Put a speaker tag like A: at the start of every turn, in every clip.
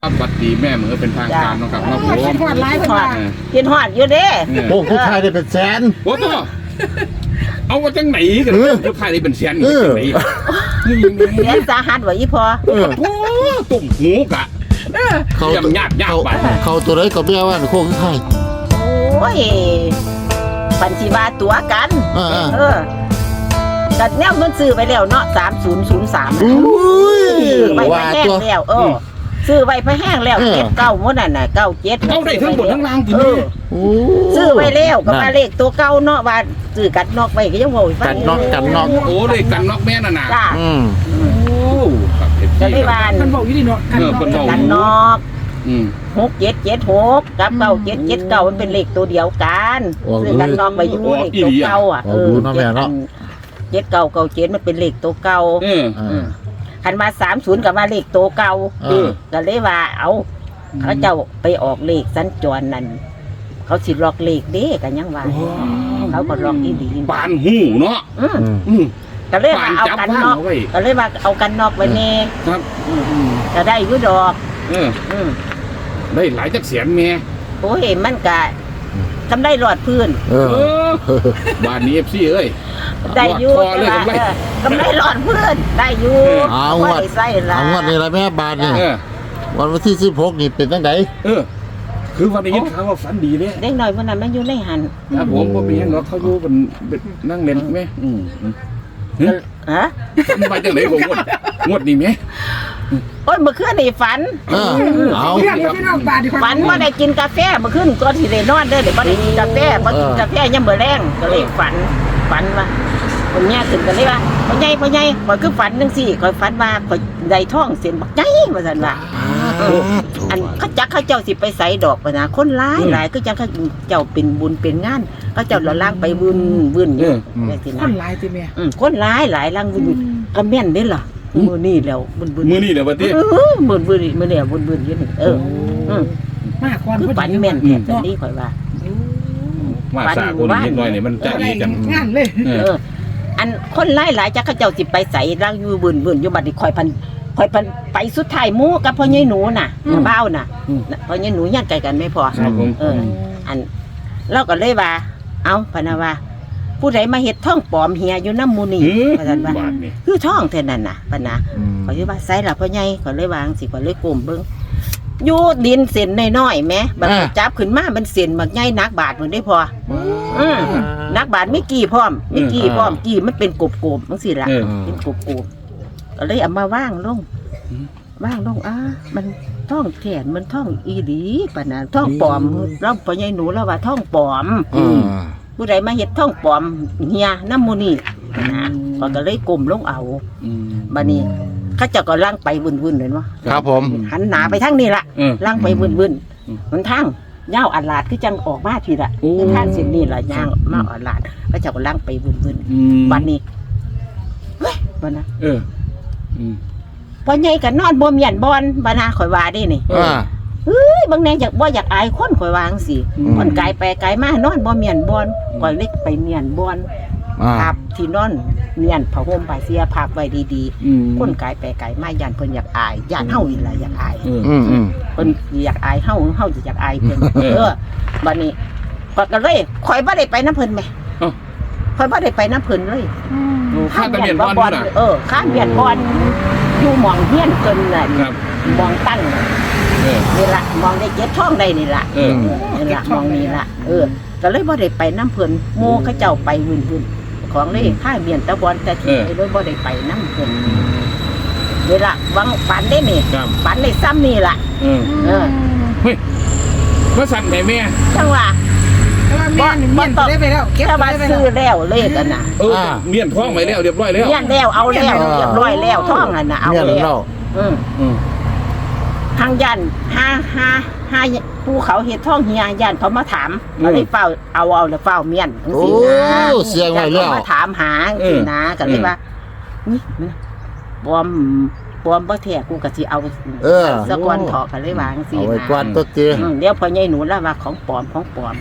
A: สวัสดีแม่เหมือนเป็นทางการนะครับมาผม
B: คิดฮอดร้ายคนว่า
C: กินฮอดอยู่เด้
D: โอ้ผู้ชายได้เป็นแสน
A: โอ้ตัวเอาว่าจังไหนกันผู้ชายนี่เป็นเสียนนี่จังไหน
C: เสียสาหัสว่าอีพอ
D: เออ
A: โอ้ตุ่มหูกะ
D: เขา
A: ยากไป
D: เขาตัวไหนก็เบี้ยว่าโค้งไข่
C: โอ้ยปัญชีบาตัวกัน กัดแนวมันซื้อไปแล้วเนาะ3003
D: อุ้ย
C: ไว้
D: ว่า
C: แห้ง
D: ตัว
C: แล้วซื้อไว้พะแห้งแล้ว79มื้อนั่นน่ะ97
A: เข้าได้ทั้งหมดทั้งล่างจริง
C: ซื้อไว้แล้วก็มาเลขตัวเก่าเนาะว่าซื้อกัดนอกไว้ก็ยังโวย
D: กันนอก
A: โอ้เลยกันนอกแม่น่ะนะ
C: จ้า
A: โอ้ครับ
C: จะได้บ้าน
B: มันบอกอยู่ดีเนาะ
C: กันนอก6776กับ9779มันเป็นเลขตัวเดียวกันซื้อกันนอกไว้อยู่เลขตัวเก่าอ่ะ7997มันเป็นเลขตัวเก่าคันมา30กับมาเลขตัวเก่าก็เลยว่าเอาเขาเจ้าไปออกเลขสัญจรนั่นเขาสิล็อกเลขเด้กันยังว่าเขาก็ล็อกอีหลี
A: ปานหูเนาะ
C: ก็เลยว่าเอากันนอกก็เลยว่าเอากันนอกไว้แน่ครับก็ได้อยู่ดอก
A: ได้หลายจักเสียนแม่
C: โอ้ยมันก็ทำได้หลอดพื้น
A: บ้านนี้ FC เอ้ย
C: ได้อยู่กำไรหลอดพื้นได้อยู่
D: เอางวดนี่ละแม่บาทนี่วันที่16นี่เป็นจังได
A: คือวันนี้ข่าวว่าฝันดีเลย
C: เด็กหน่อยวันนั้นมันอยู่ในหัน
A: ครับผมก็มีเนาะเขาอยู่เป็นนั่งเล่นไหม
C: ฮะ
A: มาจากไหนผมงวดนี่ไหม
C: โอ้ยเมื่อคืนนี่ฝันฝันว่าได้กินกาแฟเมื่อคืนก่อนที่ได้นอนเด้อเดี๋ยวบ่ได้กินกาแฟบ่กินกาแฟยังมื้อแรงก็เลยฝันว่าคนแง่ขึ้นกันเลยว่าพ่อใหญ่ข่อยคือฝันจังซี่ข่อยฝันว่าข่อยได้ท้องเส้นบักใหญ่ว่าซั่นว่าอันเขาจักเขาเจ้าสิไปใส่ดอกนะคนหลายคือจังเขาเจ้าเป็นบุญเป็นงานเขาเจ้าละล่างไปบุญอยู่จังซี่นะ
B: คนหลายติแม่
C: คนหลายล่างบุญก็แม่นเด้ล่ะมื้อนี้แล้วบุญ
A: มื้อนี้เด้อบัดนี้
C: บุญมื้อนี้บุญอยู่นี่
B: มาก่อน
C: คือฝันแม่นแท้นี้ข่อยว่า
A: มาสาคนนิดหน่อยนี่มันจะดีกัน
B: งานเลย
C: อันคนหลายจักเขาเจ้าสิไปใส่ร่างอยู่บุญอยู่บัดนี้ข่อยพันไปสุดท้ายหมู่กับพ่อใหญ่หนูน่ะบ้าวน่ะพ่อใหญ่หนูญาติไกลกันไม่พออันเราก็เลยว่าเอาพะนะว่าผู้ใดมาเฮ็ดท่องปลอมเฮียอยู่น้ำหมู่นี่ว่าซั่นว่าคือท่องแท้นั่นน่ะปะนะข่อยสิว่าใส่ล่ะพ่อใหญ่ข่อยเลยวางสิข่อยเลยก้มเบิ่งอยู่ดินเส้นน้อยๆแหมบัดจับขึ้นมามันเส้นบักใหญ่นักบาทมันได้พอนักบาทไม่กี่พร้อมกี่มันเป็นกบๆจังซี่ล่ะเป็นกบก็เลยเอามาว่างลงมันท่องแขนมันท่องอีหลีปะนะท่องปลอมเราพ่อใหญ่หนูแล้วว่าท่องปลอมผู้ใดมาเฮ็ดท่องปลอมเฮียน้ำหมู่นี่นะก็เลยก้มลงเอาบัดนี้เขาเจ้าก็ล่างไปวุ่นๆเลยเนาะ
D: ครับผม
C: หันหน้าไปทางนี้ล่ะล่างไปวุ่นๆมันทางยาวอัดลาดคือจังออกมาทีละคือทางเส้นนี้ล่ะยางมาอัดลาดเขาเจ้าก็ล่างไปวุ่นๆบัดนี้เฮ้ยบัดนะพ่อใหญ่ก็นอนบ่เมียนบอนบ่นะข่อยว่าได้นี่บางแนอยากบ่อยากอายคนข่อยวาจังซี่คนไกลไปไกลมานอนบ่เมียนบอนข่อยเล็กไปเมียนบอนพับที่นอนเมียนผ้าห่มผ้าเสียพับไว้ดีๆคนไกลไปไกลมาย่านเพิ่นอยากอายย่านเฮาอีหล่ะอยากอายเพิ่นอยากอายเฮาสิอยากอายเพิ่นบัดนี้ก็เลยข่อยบ่ได้ไปนำเพิ่นแม่ข่อยบ่ได้ไปนำเพิ่นเลย
A: ข้าตะเมียนบอน
C: ข้าเมียนบอนอยู่หม่องเฮียนเพิ่นน่ะมองตั้งนี่ล่ะมองได้เจ็ดท้องได้นี่ล่ะนี่ล่ะมองนี่ล่ะก็เลยบ่ได้ไปน้ำเพิ่นโมเขาเจ้าไปวุ่นๆของเลยข้าเมียนตะบอนแต่ที่เลยบ่ได้ไปน้ำเพิ่นนี่ล่ะวังปันได้นี่ปันได้ซ้ำนี่ล่ะ
A: เฮ้ยว่าสั่นแม่
C: จังว่า
B: บ่ได้ไปแล้วเก็บ
C: ไปซื้อแล้วเลขกันน่ะ
A: เมียนท้องไปแล้วเรียบร้อยแล้ว
C: เมียนแล้วเอาแล้วเรียบร้อยแล้วท้องนั่นน่ะเอาแล้วทางยันห้าภูเขาเฮ็ดท้องเฮียยันเขามาถามก็เลยเฝ้าเอาแล้วเฝ้าเมียนจังซี่นะ
D: เสียงไว้แล้ว
C: มาถามหาจังซี่นะก็เลยว่านี่ปลอมบ่แท้กูก็สิเอาสะกอนเถาะก็เลยวาจังซี่นะ
D: เอาไว้ก่อนตัวเตี้ย
C: เดี๋ยวพ่อใหญ่หนูแล้วว่าของปลอมปลอม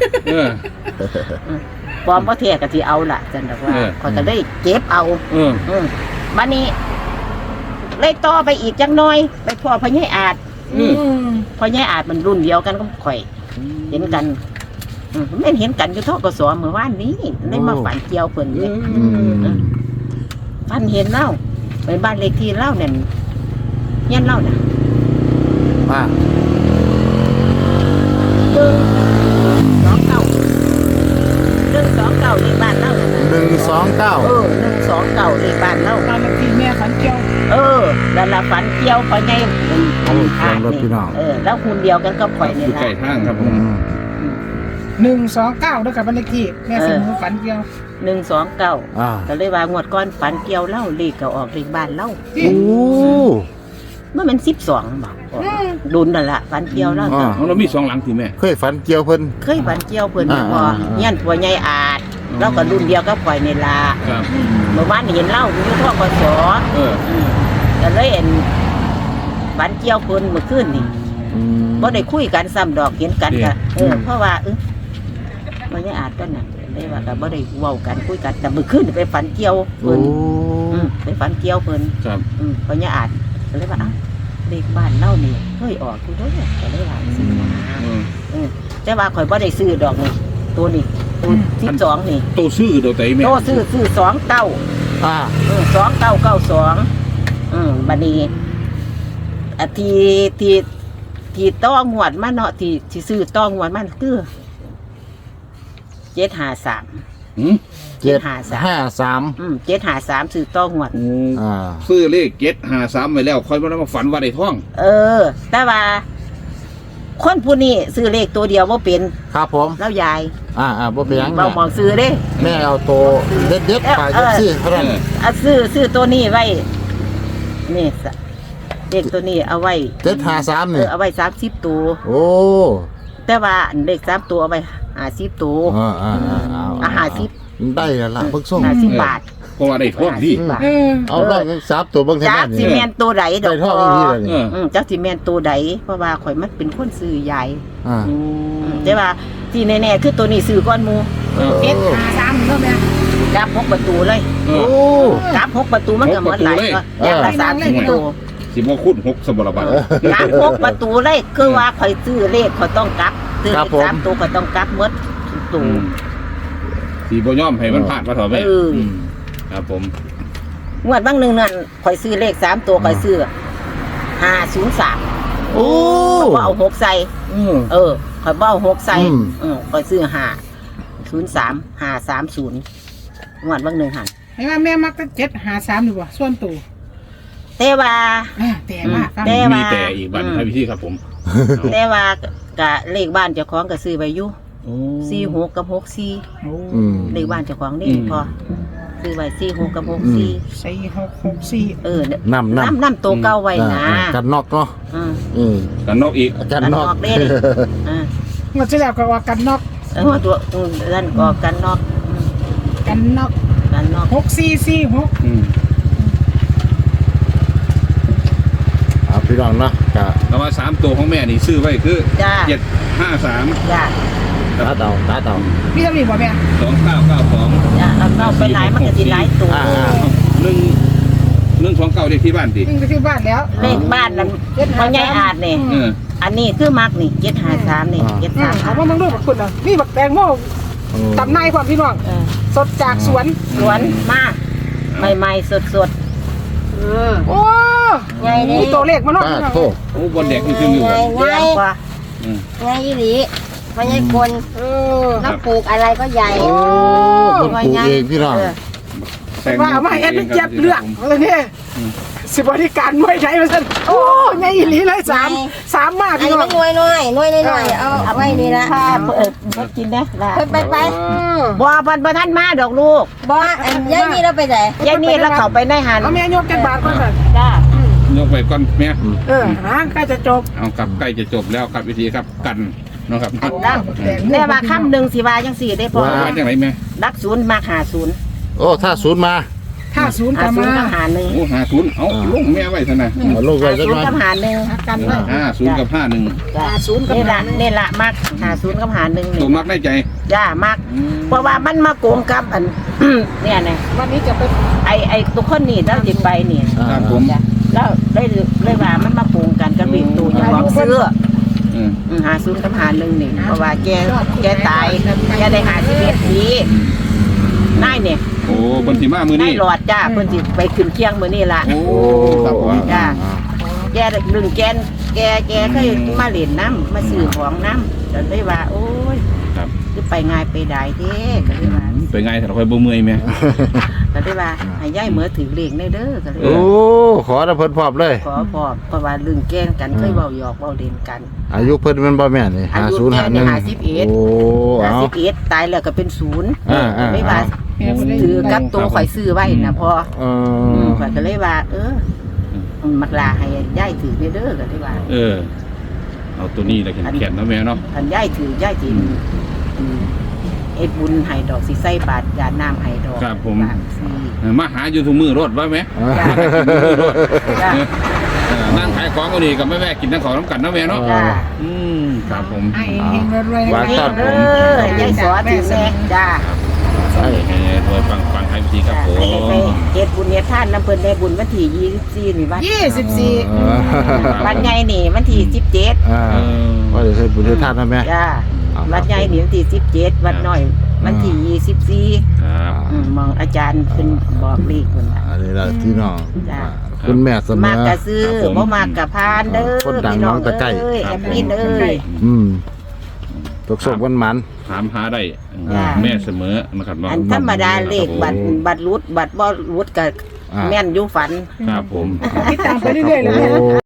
C: บ่แท้ก็สิเอาล่ะจังดอกว่าข้อยก็เลยเก็บเอาบัดนี้เลยต่อไปอีกจังน้อยไปพ่อพ่อใหญ่อาจเพราะยายอาจมันรุ่นเดียวกันก็ข่อย เห็นกันแม่นเห็นกันอยู่ทกสเมื่อวานนี้ได้มาฝันเกี่ยวเพิ่นเลยฝันเห็นเล่าไปบ้านเลขที่เล่าเนี่ยเงี้ยเล่าน่ะ
D: อ่า
C: 129ในบ้านเล่าน่ะ
D: 129
C: 129ในบ้านเล่า
B: บ้านเลขที่แม่ฝันเกี่ยว
C: แล้วละฝันเกี่ยวพอไงอันขาดนี่แล้วคุณเดียวกันก็ปล่อย
A: อ
C: นี่
A: ยู่
C: ละ
A: ใกล้ทางครับผม
B: 129ด้วยกับบ้านเลขที่แม่สมุฝันเกี่ยว
C: 129
D: อ่า
C: ก็เลยว่างวดก้อนฝันเกี่ยวเล่าเลขก็ออกเลขบ้านเล่า
D: โอ้
C: เมื่อมัน12บอกดุนนั่นละฝันเกี่ยวเล่า
A: เรามี2หลังที่แม่
D: เคยฝันเกี่ยวเพิ่น
C: เคยฝันเกี่ยวเพิ่นพอเงี้ยผัวใหญ่อาจเราก็รุ่นเดียวก็ปล่อยนี่ละ
A: ครับ
C: เมื่อวานเห็นเล่าอยู่ทกส ก็เลยเห็นฝันเกี่ยวเพิ่นเมื่อคืนนี่บ่ได้คุยกันซ้ำดอกเห็นกันก็เพราะว่ามันยังอาจกันน่ะเลยว่าก็บ่ได้เว้ากันคุยกันแต่เมื่อคืนไปฝันเกี่ยว
D: โอ้
C: เพิ่นไปฝันเกี่ยวเพิ่น
A: ครับ
C: เพราะยังอาจก็เลยว่าเลขบ้านเล่านี่เคยออกอยู่เด้อก็เลยว่าซื้อมาแต่ว่าข่อยบ่ได้ซื้อดอกนี่ตัวนี้ตัว12นี่
A: โตซื้อโดยใจแม่
C: โตซื้อ29
D: อ่า
C: 2992บัดนี้ที่ต้องหวดมาเนาะที่ซื้อต้องหวดมันคือ753
A: หืม
D: 753
C: 753ซื้อต้องหวด
D: อ่า
A: ซื้อเลข753ไว้แล้วค่อยมาฝันว่าได้ท่อง
C: แต่ว่าคนผู้นี้ซื้อเลขตัวเดียวบ่เป็น
D: ครับผม
C: แล้วยาย
D: บ่เป็นหยัง
C: เบาหมองซื้อเด้
D: แม่เอาโตเด็ดๆไปจังซี่เท่านั้น
C: ซื้อตัวนี้ไว้นี่เลขตัวนี้เอาไว้
D: 753นี่
C: เอาไว้30ตัว
D: โอ้
C: แต่ว่าเลข3ตัวเอาไว้50ตัว 50
D: ได้แล้วล่ะเบิ่งส่ง
C: 50 บาท
A: เพราะว่าได้ท่องที่
C: 50 บาท
D: เอาได้3ตัวเบิ่งแท้
C: จัก
D: นี่
C: สิแม่นตัวใดด
D: ได้
C: อก
D: ท่องอีกทีเลยนี่
C: จักสิแม่นตัวใดเพราะว่าข่อยมันเป็นคนซื้อใหญ่
D: อ่า
C: แต่ว่าที่แน่ๆคือตัวนี้ซื้อก้อนหมู
B: 753เนาะแม่
C: กลับ6ประตูเลย
D: โอ้
C: กลับ6ประตูมันก็หมดหลายก็อย่างละ30ประตู
A: สิบ่คูณ6สมบัติบัตร
C: กลับ6ประตูเลยคือว่าข่อยซื้อเลขข่อยต้องกลับซื้อเลข3ตัวข่อยต้องกลับหมดทุกตัว
A: สีบ่ยอมให้มันพลาดว่าเถอะแม่ครับผม
C: งวดบางนึงนั่นข่อยซื้อเลข3ตัวข่อยซื้อ503
D: โอ้
C: ข่อยเอา6ใส่ข่อยบ่เอา6ใส่ข่อยซื้อ503 530งวดบางนึงหั่น
B: ให้ว่าแม่มักจะ753อยู่บ่ส่วนตัว
C: แต่ว่า
B: แต่ว่าฟัง
A: มีแต่อีกบัตรให้พี่ครับผม
C: แต่ว่ากะเลขบ้านเจ้าของก็ซื้อไว้อยู่46กับ64
B: โอ้
C: เลขบ้านเจ้าของนี่พอซื้อไว้46กับ64
B: 4664
C: น้ำตัวเก่าไว้นะ
D: กันนอกเนาะ
A: กันนอกอีก
D: กันนอก
C: เด้
B: งวดที่แล้วก็ว่ากันนอก
C: ตัวนั่นก็กันนอก
B: กันนอก
C: กันนอก
B: 6446
D: พี่น้องเนาะกะ
A: แต่ว่า3ตัวของแม่นี่ซื้อไว้คือ
C: จ้า
A: 753
C: จ้า
D: ตาเต่า
B: พี่ทำนี่บ่แม่
A: 2992
C: จ้าแล้วก็ไปหลายมันก็สิหลายตัว
A: 129เด็กที่บ้านติ
B: วิ่งไปที่บ้านแล้ว
C: เลขบ้านนั้นพ่อใหญ่อาจนี่อันนี้คือมักนี่753นี่
B: เอาว่ามึงดูบักคุณอ่ะนี่บักแตงโมตำนายความพี่น้องสดจากสวน
C: 753สวนมากใหม่ๆสด
B: โอ้มีตัวเลขมาเนาะ
D: ป้า
B: พี่น้อง
D: โท
A: โอ้บนเด็กนี่คืออยู่
C: ๆเดือนกว่า
E: ไงอีหลีไม่ใช่คน
A: ครั
E: ถ้า
A: บ
E: ปลูกอะไรก็ใหญ่
D: โอ้คนปลูกเองพี่น้อง
B: ว่าเอามาเอ็ดเป็นเจ็บเลือกอะไรเนี่ยสิบริการมวยไทยมาสั่นโอ้ไงอีหลีเลยสามมาก
E: อัน
B: พี่
E: นี้
B: น้อ
E: มั
B: ง
E: นน้อยเอาไว้นี่ละ
C: ถ้ากินได้ล่ะ
E: ไป
C: บ่บ่ทันมาดอกลูก
E: บ่อันยายนี่เราไปไหน
C: ยายนี่แล้วเข้าไปในหัน
B: เอาแม่ยกกันบาทก่อนสั่น
C: จ้าย
A: กไปก่อนแม่
B: ใกล้จะจบ
A: เอากับใกล้จะจบแล้วครับวิธีครับกันเนาะครับ
C: แต่ว่าคำหนึ่งสิว่าจังสี่ได้พอ
A: ว่าจังไรแม่
C: รักศูนย์มาหาศูนย์
D: โอ้ถ้าศูนย์มา
B: ถ้าศูนย์
C: หาก
B: ลับ
C: ศูนย์
B: มา
C: กับหาหนึ่ง
A: โอ้50เอาลงแม่ไว้ซะนะ
D: เอาลูกไว้
C: หา
D: จัง
C: ศูน
D: หน่อ
C: ย์
D: ย
C: กับหาหนึ่ง
B: กันไว้
A: 50กับ51
C: จ้า
B: ศูนย์กับ
C: นี่
B: หา
C: ละ
B: หนึ่ง
C: นี่ละมักหาศูนย์กับหาหนึ่ง
A: ตัว
C: นี่
A: มักได้ใจ
C: จ้ามักเพราะว่ามันมาโกงกับอัน เนี่ยนะ
B: วันนี้จะไป
C: ไอตัวคนนี่เราจิไปนี่
A: ครับผม
C: จ้ะแล้วได้เลยว่ามันมาโกงกันกับเลขตัวอย่างของซื้อ
A: อืม
C: 50กับ51นี่เพราะว่าแกตายแกได้51ปีนายเนี่ย
A: โอ้บนสีมามือ
C: นา
A: นี่
C: ยหลอดจ้าเพิ่นสิไปขึ้นเคียงมื้อนี้ล่ะ
A: โอ้ครับผม
C: จ้าแกลึงแกเคยมาเล่นน้ำมาซื้อของน้ำจนได้ว่า โอ้ย
A: ครับ
C: คือไปง่ายไปได้เด้ก็เลยว่า
A: ไปไงถ้าเราค่อยบ่เมื่อยไหม
C: ก็เลยว่าให้ยายเหมือถือเลขได้เด้อก็เลย
D: โอ้ขอระเพิ่นพร้อมเลย
C: ขอบอกเพราะว่าลึงแกล้งกันเคยเว้าหยอกเว้าเล่นกัน
D: อายุเพิ่นมันบ่แม่นนี่
C: อายุแกนี่
D: 5051
C: 51
D: โอ้เอา
C: 51ตายแล้วก็เป็น0
D: อ่า
C: ไม่ว่าถือกับตัวข่อยซื้อไว้นะพอ
D: เอ
C: ข่อยก็เลยว่า มักลาให้ยายถือเด้อก็เลยว่า
A: เอาตัวนี้แหละแขนๆเนาะแม่เนาะ
C: คันยายถือยายสิเอ็ดบุญให้ดอกสิใส่บาตรยาน้ำให้ดอก
A: ครับผม
C: บาทสิ
A: มาหาอยู่ทุกมือรถว่าไหม
C: จ้า
A: นั่งขายของก็ดีกับแม่กินนั่งของน้ำกันเนาะแม่เนาะ
C: จ้า
A: ครับผม
B: ให้เฮงรวย
D: ว่า
C: เฮ็
D: ครั
C: ด
D: บ
C: เด้อยายสอถือแม่จ้า
A: โดยฟังให้วิธีครับผม
C: ให้ไปเฮ็ดบุญเฮ็ดทานน้ำเพิ่นได้บุญวันที่24นี่วัน
B: 24
C: วันใหญ่นี่วันที่17
D: อ่าว่าเดี๋ยวให้บุญให้ทานนะแม่
C: จ้า
D: ครับ
C: วัดใหญ่นี่วันที่17วัดน้อยวันที่24
A: ครับ
C: มองอาจารย์เพิ่นบอกเลขเพิ่นว่า
D: อันนี้ล่ะพี่น้อง
C: จ้ะ
D: คุณแม่เสม
C: มาก
D: อ
C: กะซื้อบ่มากกะพานเด้อ
D: คนดัง
C: พี่น้อง
D: น้องตะไคร้
C: เอ้ยแอดมินเอ้ย
D: ตกส่งกันมัน
A: ถามหาได้
C: จ้ะ
A: แม่เสมอนะครับเนาะ
C: อันธรรมดาเลขบัตรรุดบัตรบ่รุดก็
D: อ่า
C: แม่นอยู่ฝัน
A: ครับผม
B: ติดตามไปเรื่อยๆเลย